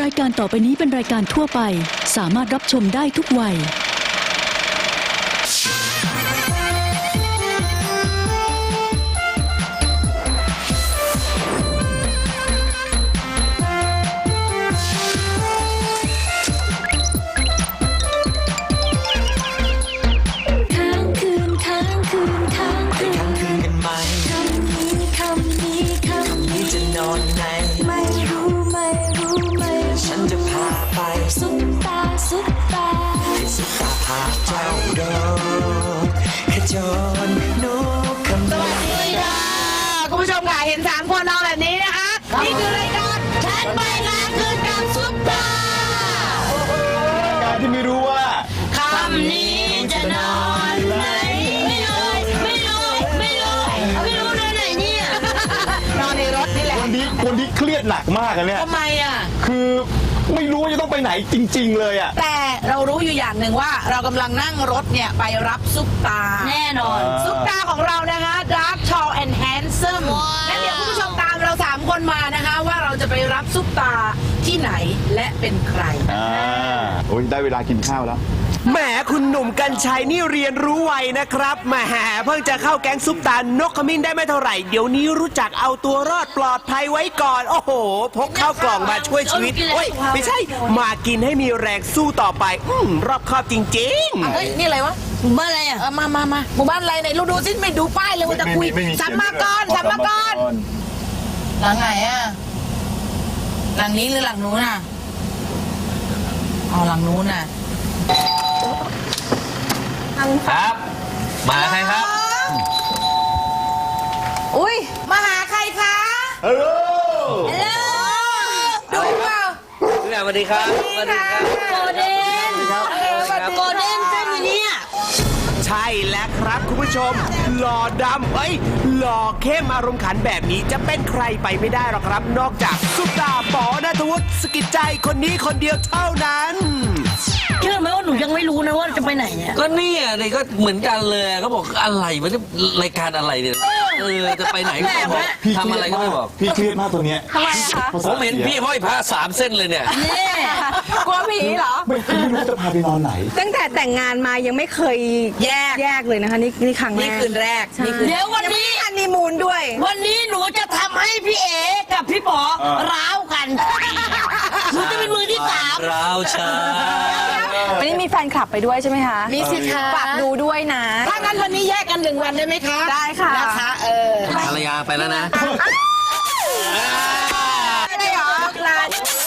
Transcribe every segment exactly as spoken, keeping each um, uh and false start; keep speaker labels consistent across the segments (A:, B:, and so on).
A: รายการต่อไปนี้เป็นรายการทั่วไปสามารถรับชมได้ทุกวัยค้างคืนค้างคืนค้างคืน
B: ค้างคืนกันไหม
A: คำนี้คำนี้คำนี้
B: จะนอนไหน
A: ไม่รู้ไม่รู้ไม่รู้
B: ฉันจะพาไป
A: ซุปตาซุปตา
B: ให้สุตาพาเจ้าโดนขจรนกคำนี้
C: คุณผู้ชมค่ะเห็นสามคนนอนแบบนี้นะคะ นี่คือรายการฉันไปงานคืนกับซุปตา
D: การที่ไม่รู้ว่า
C: คำนี้จะนอนไหนไม่รู้ไม่รู้ไม่รู้ไม่รู้นอนไหนเนี่ยนอนในรถนี่แหละ
D: วันนี้วันนี้เครียดหนักมากอะเนี่ย
C: ทำไมอ่ะ
D: คือไม่รู้ว่าจะต้องไปไหนจริง ๆ เลยอะ
C: แต่เรารู้อยู่อย่างหนึ่งว่าเรากำลังนั่งรถเนี่ยไปรับซุปตาแน่นอนซุปตาของเรานะคะ Dark Tall and Handsome งั้นเดี๋ยวคุณผู้ชมตามเราสามคนมานะคะ ว่าเราจะไปรับซุปตาที่ไหนและเป็นใคร
D: อ่าโอ้ยได้เวลากินข้าวแล้ว
E: แหมคุณหนุ่มกัญชัยนี่เรียนรู้ไวนะครับแหมเพิ่งจะเข้าแก๊งซุปตานกขมิ้นได้ไม่เท่าไหร่เดี๋ยวนี้รู้จักเอาตัวรอดปลอดภัยไว้ก่อนโอ้โหพกข้าวกล่องมาช่วยชีวิตโอ้ยไม่ใช่มากินให้มีแรงสู้ต่อไปอืมรอบคอบจริงๆ
C: เฮ้ย นี่อะไรวะหมู่บ้านอะไรอ่ะมามามาหมู่บ้านอะไรไหนเราดูสิไม่ดูป้ายเลยว่าจะคุย
D: ไม่มี
C: สัมมากรสัมมากรหลังไหนอ่ะหลังนี้หรือหลังนู้นอ่ะอ๋อหลังนู้นอ่ะ
F: ครับ มาใครครับ
C: อุ้ยมาหาใครคะ
D: ฮัลโหล
C: ฮัลโหลดูเปล่า
F: สวัสดีครับ สวัสดีครับ
C: โกเด้นโกเด้นเจ้าอยู่เนี่ย
E: ใช่แล้วครับคุณผู้ชมหล่อดำเอ้ยหล่อเข้มอารมณ์ขันแบบนี้จะเป็นใครไปไม่ได้หรอกครับ นอกจากซุปตาปอณัฐวุฒิสกิจใจคนนี้คนเดียวเท่านั้น
G: เชื่อไหมว่าหนูยังไม่รู้นะว่าจะไปไหนเนี่ย
F: ก็เนี่ยนี่ก็เหมือนกันเลยเขาบอกอะไรมันจะรายการอะไรเนี่ยเออจะไปไหนก็ไม่บอกทำอะไรก็ไม่บอก
D: พี่เครียดมากตัวเนี้ย
C: ทำไมคะ
F: ผมเห็นพี่ห้อยผ้าสามเส้นเลยเนี่ย
G: นี่
C: กลัวผีเหรอ
D: ไม่ไม่รู้จะพาไปนอนไหน
H: ตั้งแต่แต่งงานมายังไม่เคย
C: แยก
H: แยกเลยนะคะ นี่นี่ครั้งแร
C: นี่
H: ก
C: คืนแรก นี่คืน
G: เดี๋ยววัน
H: ยังไม่
G: นี้
H: ได้ฮันนีมูนด้วย
G: วันนี้หนูจะทำให้พี่เอกับพี่ป๋อ
D: อ่า
G: ร้าวกันหนูจะเป็นมือที่สาม
F: เราชา
H: วันนี้มีแฟนคลับไปด้วยใช่ไหมคะ
C: มีสิคะ
H: ฝากดูด้วยนะ
C: ถ้างั้นวันนี้แยกกันหนึ่งวันได้ไหมคะ
H: ได้ค่ะ
C: นะคะ เออ
F: ภรรยาไปแล้วนะ
C: ได้เหรอลา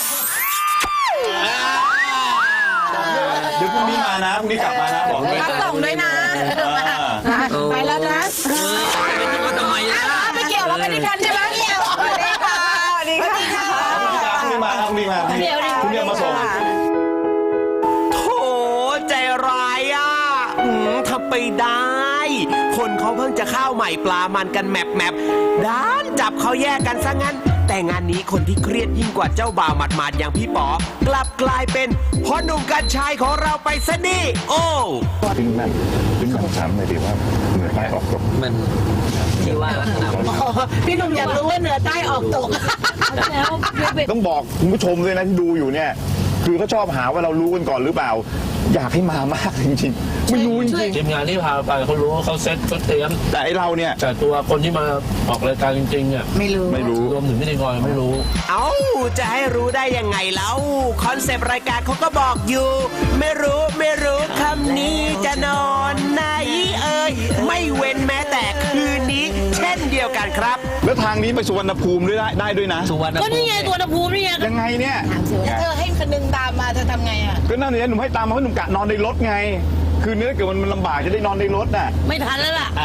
D: เดี๋ยวพรุ่งนี้มานะพรุ่งนี้กลับมานะบอกด้วย
C: รับส่งด้วยนะ
D: อ่า
C: ไปแล้วนะ
F: เออไปที่ว่าทำไมนะ
C: ไม่เกี่ยวเราไม่ได้ทันใช่ไหมเกี่ยวสวัสดีค่ะสวัสดีค่ะ
D: พรุ่งนี้มาพรุ่งนี้มาพรุ่งนี้มาพรุ่งนี้มาส่ง
E: โถใจร้ายอ่ะหืมทำไปได้ คนเขาเพิ่งจะข้าวใหม่ปลามันกันแมบแมบด้านจับเขาแยกกันซะงั้น แต่งานนี้คนที่เครียดยิ่งกว่าเจ้าบ่าวหมัดๆอย่างพี่ป๋อกลับกลายเป็นพ่อหนุ่มกัญชัยของเราไปซะนี่โอ้
D: ถึงนั่นถึงถามเลยดิว่าเหนือใต้ออกตก
F: มันที่ว่าลักษณะมัน
C: พี่หนุ่มอยากรู้ว่าเหนือใต้ออกตก
G: แล้วเบ
D: ต้องบอกคุณผู้ชมเลยนะที่ดูอยู่เนี่ย คือเขาชอบหาว่าเรารู้กันก่อนหรือเปล่า อยากให้มามากจริงๆ ไม่รู้จริง
I: ทีมงานที่พาไปเขารู้ว่าเขาเซ็ตเขาเตรียม
D: ๆ แต่ไอเราเนี่ย
I: แต่ตัวคนที่มาออกรายการจริงๆเนี่ย
C: ไม่รู้
D: ไม่รู้
I: รวมถึงพิธีกรไม่รู้
E: เอ้าจะให้รู้ได้ยังไงเล่าคอนเซปต์รายการเขาก็บอกอยู่ ไม่รู้ไม่รู้คำนี้จะนอนไหนเอ่ยไม่เว้นแม้แต่คืนนี้ เช่นเดียวกันครับ
D: แล้วทางนี้ไปสุวรรณภูมิด้วยได้ได้ด้วยนะ
F: สุวรรณ
G: ก็
F: ภู
G: นี่
F: มิ
G: ไงตัวภูมินี่ไง
D: ยังไงเนี่ย
C: เธอให้คนนึงตามมาเธอทำไงอ่ะ
D: ก็นั่นเนี่ยหนุ่มให้ตามมาเพราะหนุ่มกะนอนในรถไง คือเนื้อเกิดมันลำบากจะได้นอนในรถน่ะ
G: ไม่ทันแล้วล่ะ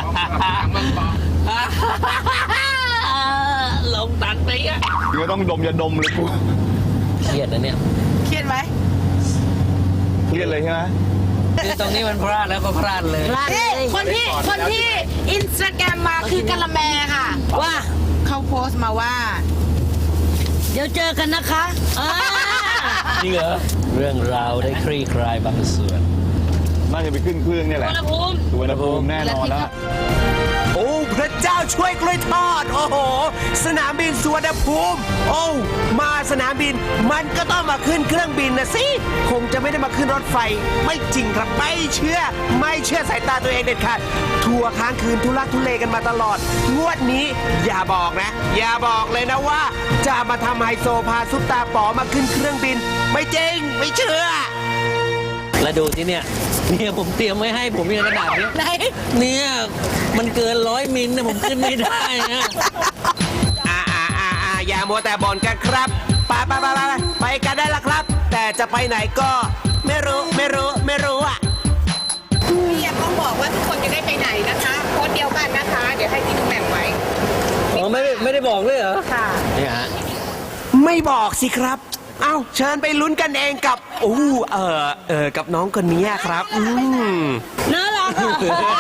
F: ลงตัดไปอ่ะ
D: เดี๋ยวต้องดมยาดมเลยกู
F: เครียดนะเนี่ย
C: เครียดไหม
D: เครียดเลยใช่ไหม
F: คือตรงนี้มันพลาดแล้วก็พลาดเลย
C: นี่คนที่คนที่อินสตาแกรมมาคือกะละแมค่ะ
G: ว่า
C: เขาโพสต์มาว่า
G: เดี๋ยวเจอกันนะคะอ่า
F: จริงเหรอ เรื่องราวได้คลี่คลายบางส่วน
D: น่าจะไปขึ้นเครื่องเนี่ยแหละ
G: อุณหภูมิ
D: สุวรรณภูมิแน่นอนแล้ว
E: โอ้พระเจ้าช่วยกล้วยทอด โอ้โห สนามบินสุวรรณภูมิ โอ้มาสนามบิน มันก็ต้องมาขึ้นเครื่องบินนะสิคงจะไม่ได้มาขึ้นรถไฟ ไม่จริงครับไม่เชื่อ ไม่เชื่อสายตาตัวเองเด็ดขาดทัวร์ค้างคืนทุลักทุเลกันมาตลอดงวดนี้อย่าบอกนะ อย่าบอกเลยนะว่า จะมาทำไฮโซพาซุปตาป๋อมาขึ้นเครื่องบิน ไม่จริงไม่เชื่อ
F: แล้วดูที่เนี่ยเนี่ยผมเตรียมไว้ให้ผมมีกระดาษเนี้ย
C: ไหน
F: เนี่ยมันเกินร้อยมิลนะผมขึ้นไม่ได้นะ
E: อ่าอ่าอ่าอ่าอย่ามัวแต่บ่นกันครับไปไปไปไปไปกันได้ละครับ แต่จะไปไหนก็ไม่รู้ไม่รู้ไม่รู้อ่ะ
C: พี่ยังต้องบอกว่าทุกคนจะได้ไปไหนนะคะโค้ดเดียวกันนะคะ เดี๋ยวให้พี่ดูแบ่งไว้
F: อ๋อไม่ได้ไม่ได้บอกด้วยเหรอ
C: ค่ะ
F: เนี่ยฮะ
E: ไม่บอกสิครับ เอ้าเชิญไปลุ้นกันเองกับอู้เออเออกับน้องคนนี้ครับอืม
G: น่ารักอ่ะ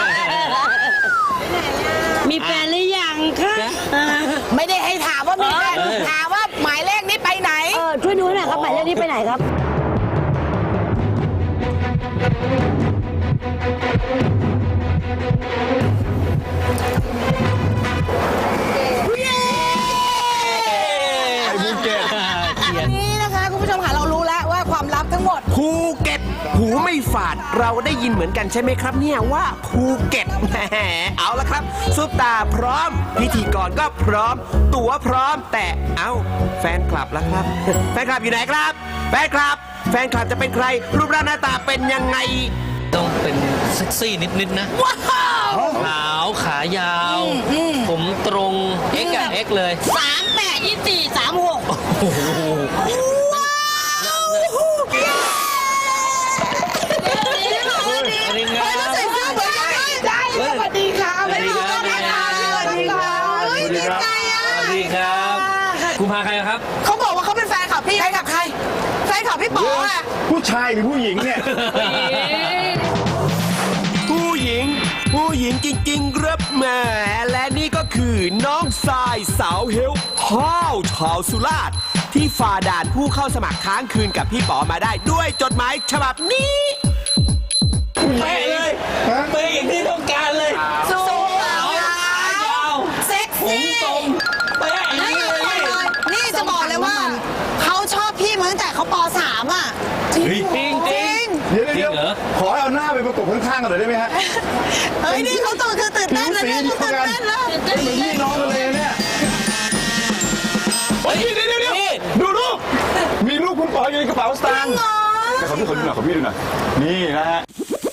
G: มีแฟนหรือยังคะเออ
C: ไม่ได้ให้ถามว่ามีแฟน
F: เออ
C: ถามว่าหมายเลขนี้ไปไหน
G: เออช่วยดูหน่อยครับหมายเลขนี้ไปไหนครับ
D: ไอ้ภูเก็ต
C: นี่นะคะคุณผู้ชมค่ะเรารู้แล้วว่าความลับทั้งหมด
E: ภูเก็ตหูไม่ฝาดเราได้ยินเหมือนกันใช่ไหมครับเนี่ยว่าภูเก็ตแหมเอาละครับซุปตาพร้อม พิธีกรก็พร้อม ตั๋วพร้อมแต่เอ้าแฟนคลับแล้วครับ แฟนคลับอยู่ไหนครับ แฟนคลับ แฟนคลับจะเป็นใคร รูปร่างหน้าตาเป็นยังไง
F: ต้องเป็นเซ็กซี่นิดๆนะ
E: ว้าว
F: ขาวขายาว ผมตรงเอ็กกับเอ็กเลย
G: สามแปดยี่สี่สามหก
F: โอ้โห สวัสดีครับ
C: ใส่เสื้อเหมือนกันเลยได้สวัสดีค่ะสวัสดีค่ะสวัสดีค่ะสวัสดีค่ะเฮ้ยดีใจอ่ะ
F: สวัสดีครับ คุณพาใครครับ
C: เขาบอกว่าเขาเป็นแฟนคลับพี่ใครกับใครแฟนคลับพี่ป๋ออ่ะ
D: ผู้ชายหรือผู้หญิงเนี่ย
E: ผู้หญิง ผู้หญิงจริงๆครับแหมและนี่ก็คือน้องทรายสาวเฮลห้าวชาวสุราษฎร์ที่ฝ่าด่านผู้เข้าสมัครค้างคืนกับพี่ป๋อมาได้ด้วยจดหมายฉบับนี้
F: เป๊ะเลยเป๊ะอย่างที่ต้องการเลย
C: สูง
F: ขาวขายาว
C: เซ็ก
F: ผม
C: ซี่
F: ตรงเป๊ะอย่างนี้เลย
C: นี่จะบอกเลยว่าเขาชอบพี่มาตั้งแต่เขาป สามอ่ะจริง
F: จริงจริง
D: เดี๋ยว
F: จริ
D: เดี๋ย
F: ง
D: ว
F: เหรอ
D: ขอให้เอาหน้าไปประกบข้างๆกันหน่อยได้ไหมฮะ
C: เฮ้ยนี่เขาตื่นคือตื่นเต้นนะเนี่ยตื่นเต้นนะ
D: เหมือนพี่น้องกันเลยเนี่ย
F: เฮ้ย
D: เดี๋ยวเดี๋ยวเดี๋ยว
F: นี่
D: ดูรูปมีรูปคุณป๋ออยู่ในกระเป๋าสตางค์แต่ขอพี่ขอดูหน่อยขอพี่ดูหน่อยนี่นะฮะ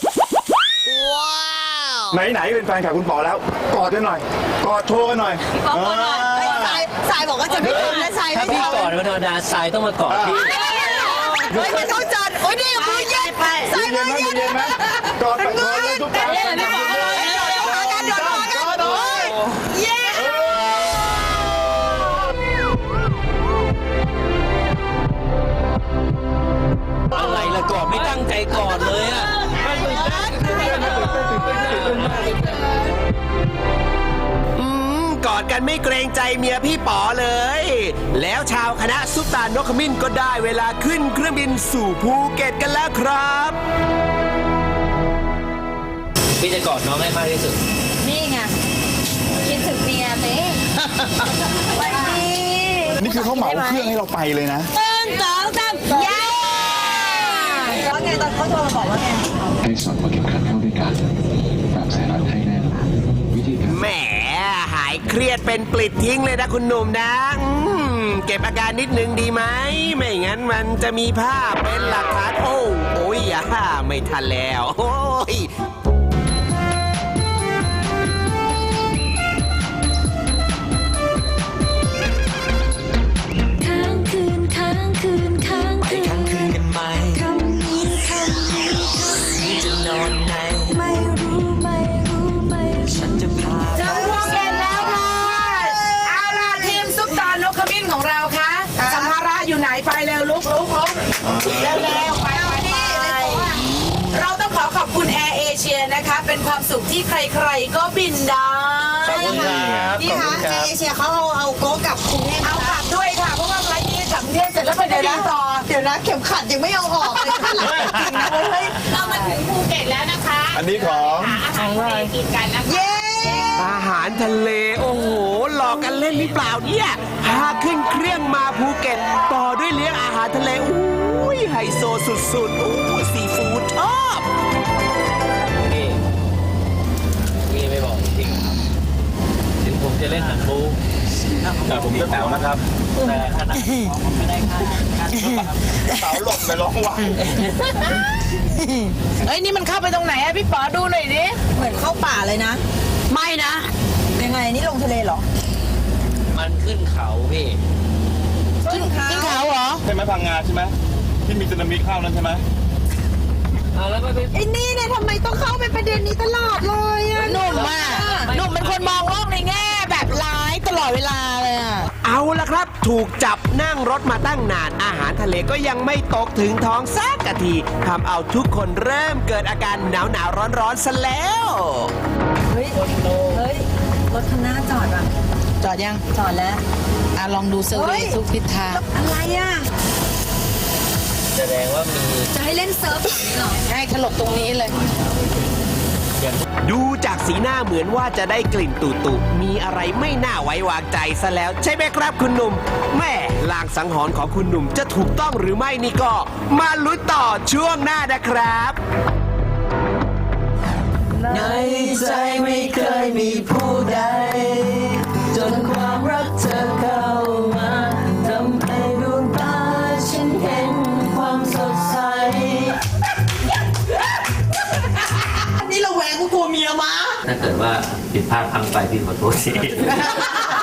D: ไหนๆเป็นแฟนคลับคุณป๋อแล้วกอดกันหน่อยกอดโชว์กันหน่อย
C: สายสายบอกว่าจะไม่ทำนะสาย
F: ถ้า
C: ไม่
F: พี่
C: ทำ
F: ก่อนวันธรรมดาทรายต้องมากอดพี่
C: เฮ้ยไม่ต้องจัดโอ้ยนี่มือเย็นสาย
D: เย็
C: มื
D: น
C: อ
D: ไหม
C: เย็น
D: เย็นไหมกอดกันกอดเลยทุกคน
C: เย็นไม่บอกเลยเดี๋ยวมากันเดี๋ยวมากันโอ้ยเย้
F: อะไรล่ะก่อนไม่ตั้งใจก่อนเลยอะ
E: อืมกอดกันไม่เกรงใจเมียพี่ป๋อเลย แล้วชาวคณะซุปตานกขมิ้นก็ได้เวลาขึ้นเครื่องบินสู่ภูเก็ตกันแล้วครับ
F: พี่จะกอดน้องให้มากที่สุด
H: นี่ไงคิดถึงเมียสิวันนี้
D: นี่คือเขาเหมาเครื่องให้เราไปเลยนะ
G: หนึ่งสองสามเย้
H: แล้วไงตอนเขาโทรมาบอกว่าไง
J: ให้สอดพอเข็มขัดเข้าด้วยกันแบบใส่รัดให้แน่นวิธีการ
E: แหมหายเครียดเป็นปลิดทิ้งเลยนะคุณหนุ่มนะอืมเก็บอาการนิดนึงดีไหม ไม่งั้นมันจะมีภาพเป็นหลักฐานโอ้โอ้ยอ่าไม่ทันแล้วโอ้ย
A: ค้างคืนค้างคืนค้าง
B: ไป
A: คืน
B: ค้างคืนกันไหม
A: คำนี้คำนี้
B: จะนอนไหน
A: ไม่รู้ไม่รู้ไม่รู้
B: ฉันจะพาไป
C: ถึงภูเก็ตแล้วค่ะเอาล่ะทีมซุปตานกขมิ้นของเราคะสัมภาระอยู่ไหนไปเร็วลุกลุกลุกเร็วเร็วไปไปไปเราต้องขอขอบคุณแอร์เอเชียนะคะ เป็นความสุขที่ใครๆก็บินได้
F: ขอบคุณครับ
C: นี่ค่ะแอร์เอเชียเขาเอาเอาโก๊กลับกรุงเทพเอากลับด้วยค่ะเพราะว่าไฟล์นี้กลับกรุงเทพเสร็จแล้วไปเดี๋ยวนะต่อเดี๋ยวนะเข็มขัดยังไม่เอาออกเลยข้างหลังจริงนะเฮ้ย
K: เรามาถึงภูเก็ตแล้วนะคะ
D: อันนี้ของ
K: หาอาหารทะเลกินกันนะคะ
C: เย้
E: อาหารทะเล โอ้โห หลอกกันเล่นหรือเปล่าเนี่ย พาขึ้นเครื่องมาภูเก็ต ต่อสุดๆโอ้ยซีฟู้ดชอบ
I: นี่นี่ไม่บอกจริงครับถึงผมจะเล่นหนังบูแต่ผมจะแป๋วนะครับ แต่ขนาดไม่ได้ค่า
D: เสาหล่นไปร้องว่า
C: เฮ้ยนี่มันเข้าไปตรงไหนอะพี่ป๋อดูหน่อยดิ
H: เหมือนเข้าป่าเลยนะ
C: ไม่นะ
H: ยังไงนี่ลงทะเลเหรอ
I: มันขึ้นเขาพี่
H: ขึ้นเขา
C: ขึ้นเขาเหรอ
D: ใช่ไหมพังงาใช่ไหมที่มีสึนามิเข้านั้นใช่ไหม
I: อ่าแล้วไม่ไป
H: ไอ้นี่เนี่ยทำไมต้องเข้าไปประเด็นนี้ตลอดเลยอะ
C: หนุ่มอะหนุ่มเป็นคนมองโลกในแง่แบบร้ายตลอดเวลาเลยอะ
E: เอาละครับ ถูกจับนั่งรถมาตั้งนานอาหารทะเลก็ยังไม่ตกถึงท้องสักกะทีทำเอาทุกคนเริ่มเกิดอาการหนาวหนาวร้อนร้อนๆซะแล้ว
H: เฮ้ย เฮ้ย รถคันหน้าจอดว่ะ
C: จอดยัง
H: จอดแล้ว
C: อ่ะลองดูเซอร์เว
H: เฮ้ย
C: ย์ทุกทิศทาง
H: อะไรอะ
I: แสดงว่ามี
H: จะให้เล่นเซิร์ฟแบบนี้เหรอ
C: ให้ถลกตรงนี้เลย
E: ดูจากสีหน้าเหมือนว่าจะได้กลิ่นตุตุมีอะไรไม่น่าไว้วางใจซะแล้ว ใช่ไหมครับคุณหนุ่มแม่ลางสังหรณ์ของคุณหนุ่มจะถูกต้องหรือไม่นี่ก็ มาลุ้นต่อช่วงหน้านะครับ
B: ในใจไม่เคยมีผู้ใด จนความรักเธอเข้ามาทำให้ดวงตาฉันเห็นความสดใส
C: นี่เราแหวงกูกลัวเมียมา
F: ถ้าเกิดว่าผิดพลาดพลังไปพี่ขอโทษที